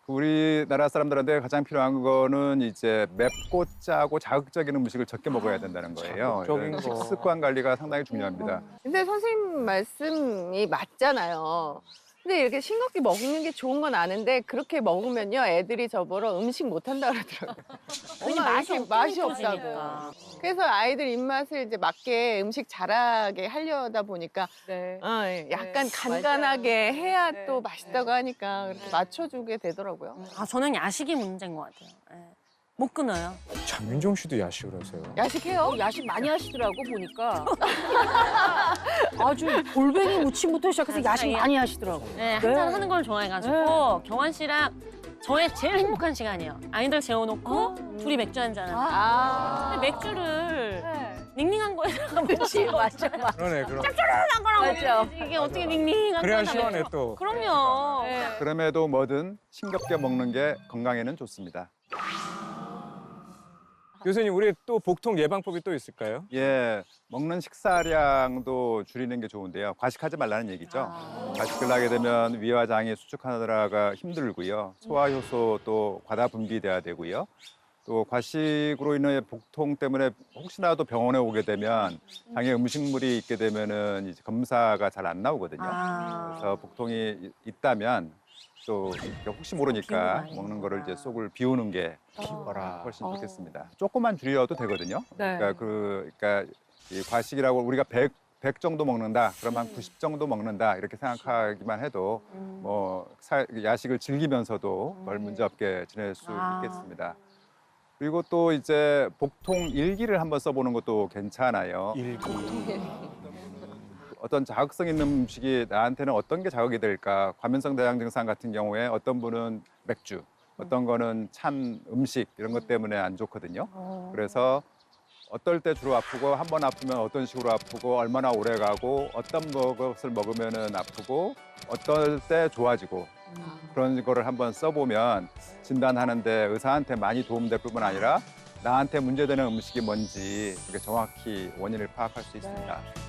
우리나라 사람들한테 가장 필요한 거는 이제 맵고 짜고 자극적인 음식을 적게 먹어야 된다는 거예요. 자극적인 이런 거. 식습관 관리가 상당히 중요합니다. 근데 선생님 말씀이 맞잖아요. 근데 이렇게 싱겁게 먹는 게 좋은 건 아는데 그렇게 먹으면요 애들이 저보러 음식 못 한다 그러더라고요. 엄마 이렇게 맛이 없다고. 그래서 아이들 입맛을 이제 맞게 음식 잘하게 하려다 보니까 네. 약간 네, 간간하게 맞아요. 해야 네, 또 맛있다고 하니까 그렇게 맞춰주게 되더라고요. 아, 저는 야식이 문제인 것 같아요. 예. 못 끊어요. 장윤정 씨도 야식을 하세요? 야식해요? 야식 많이 하시더라고 보니까. 아주 골뱅이 무침부터 시작해서 야식 많이 하시더라고. 네, 한잔 하는 걸 좋아해가지고 경환 씨랑 저의 제일 행복한 시간이에요. 아이들 재워놓고 둘이 맥주 한잔 하는. 근데 맥주를 닝닝한 거에다가 그렇지, 맞아. 그러네, 그럼. 짭짤한 거랑 맞아. 먹어야지. 이게 어떻게 닝닝한 그래야 거나 시원해 맥주. 또. 그럼요. 그럼에도 뭐든 싱겁게 먹는 게 건강에는 좋습니다. 교수님, 우리 또 복통 예방법이 또 있을까요? 예, 먹는 식사량도 줄이는 게 좋은데요. 과식하지 말라는 얘기죠. 과식을 하게 되면 위와 장이 수축하느라가 힘들고요. 소화 효소도 과다 분비돼야 되고요. 또 과식으로 인해 복통 때문에 혹시라도 병원에 오게 되면 장에 음식물이 있게 되면은 이제 검사가 잘 안 나오거든요. 그래서 복통이 있다면 또 이렇게 혹시 모르니까 비우고 먹는 거를 이제 속을 비우는 게 비워라. 훨씬 좋겠습니다. 조금만 줄여도 되거든요. 네. 그러니까 이 과식이라고 우리가 100 정도 먹는다. 그럼 한 90 정도 먹는다. 이렇게 생각하기만 해도 야식을 즐기면서도 별 문제 없게 지낼 수 있겠습니다. 그리고 또 이제 복통 일기를 한번 써보는 것도 괜찮아요. 일기. 어떤 자극성 있는 음식이 나한테는 어떤 게 자극이 될까? 과민성 대장 증상 같은 경우에 어떤 분은 맥주, 어떤 거는 찬 음식 이런 것 때문에 안 좋거든요. 그래서 어떨 때 주로 아프고 한 번 아프면 어떤 식으로 아프고 얼마나 오래 가고 어떤 것을 먹으면은 아프고 어떨 때 좋아지고 그런 거를 한번 써보면 진단하는데 의사한테 많이 도움될 뿐만 아니라 나한테 문제되는 음식이 뭔지 그게 정확히 원인을 파악할 수 있습니다.